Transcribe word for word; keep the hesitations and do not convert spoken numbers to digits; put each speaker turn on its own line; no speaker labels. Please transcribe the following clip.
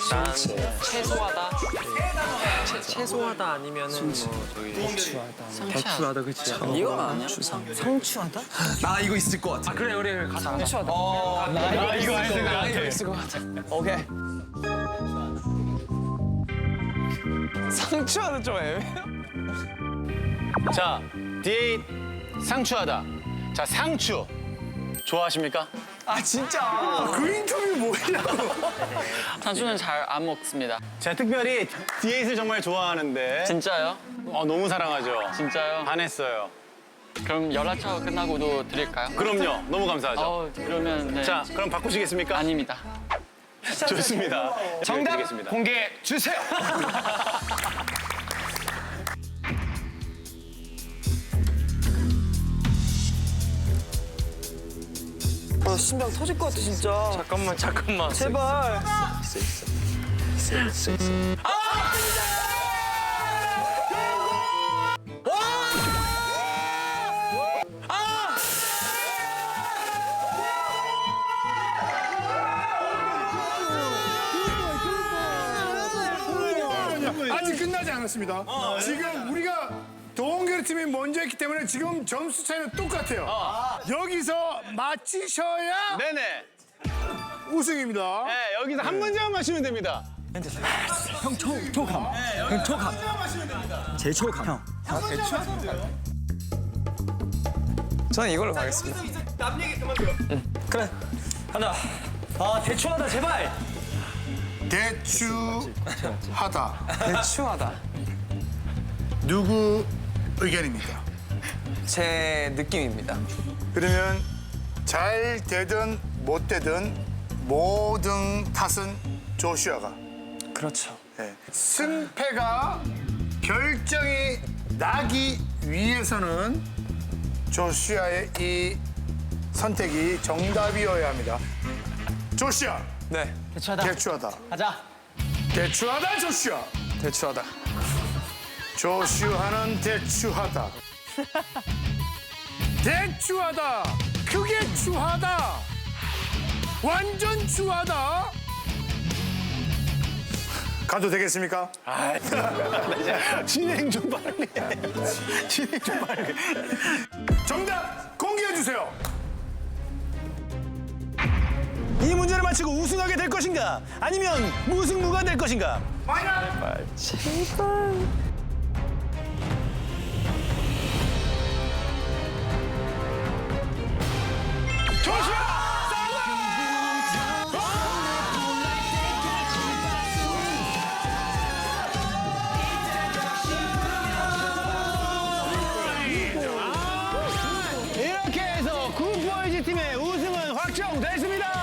난 채소하다. 채, 채소하다 아니면은 뭐 저기
대추하다.
대추하다 그치?
이건 아니야? 상추하다?
나 이거 있을 것 같아.
아 그래 우리 가자.
상추하다.
나 이거 있을 것 같아.
이거 있을 것 같아.
오케이.
상추하다 좀 애매해.
자, 디에잇 상추하다. 자, 상추. 좋아하십니까?
아 진짜.
그 인터뷰 뭐냐고.
상추는 잘 안 먹습니다.
제가 특별히 디에잇을 정말 좋아하는데.
진짜요?
어, 너무 사랑하죠.
진짜요?
반했어요.
그럼 연락처 끝나고도 드릴까요?
그럼요. 너무 감사하죠.
어, 그러면 네.
자, 그럼 바꾸시겠습니까?
아닙니다.
좋습니다.
정답
드리겠습니다.
공개해 주세요.
아 심장 터질 것 같아 진짜.
잠깐만 잠깐만.
제발.
아직 끝나지 않았습니다. 지금 우리가 동계리 팀이 먼저 했기 때문에 지금 점수 차이는 똑같아요. 여기서 맞히셔야
네네.
우승입니다.
네, 여기서 한 문제만 마시면 됩니다.
형 초, 초감. 형 초감. 제 초감. 형. 저는 이걸로 가겠습니다. 그래. 하나. 아 대추하다 제발.
대추하다.
대추하다.
누구 의견입니까?
제 느낌입니다.
그러면 잘 되든 못 되든 모든 탓은 조슈아가.
그렇죠.
네. 승패가 결정이 나기 위해서는 조슈아의 이 선택이 정답이어야 합니다. 조슈아.
네.
대추하다.
대추하다.
가자.
대추하다 조슈아.
대추하다.
조슈아는 대추하다. 대추하다. 크게 추하다. 완전 추하다. 가도 되겠습니까?
진행 좀 빨리. 진행 좀 빨리.
정답 공개해 주세요.
이 문제를 맞히고 우승하게 될 것인가? 아니면 무승부가 될 것인가? 이렇게 해서 굿보이즈 팀의 우승은 확정됐습니다.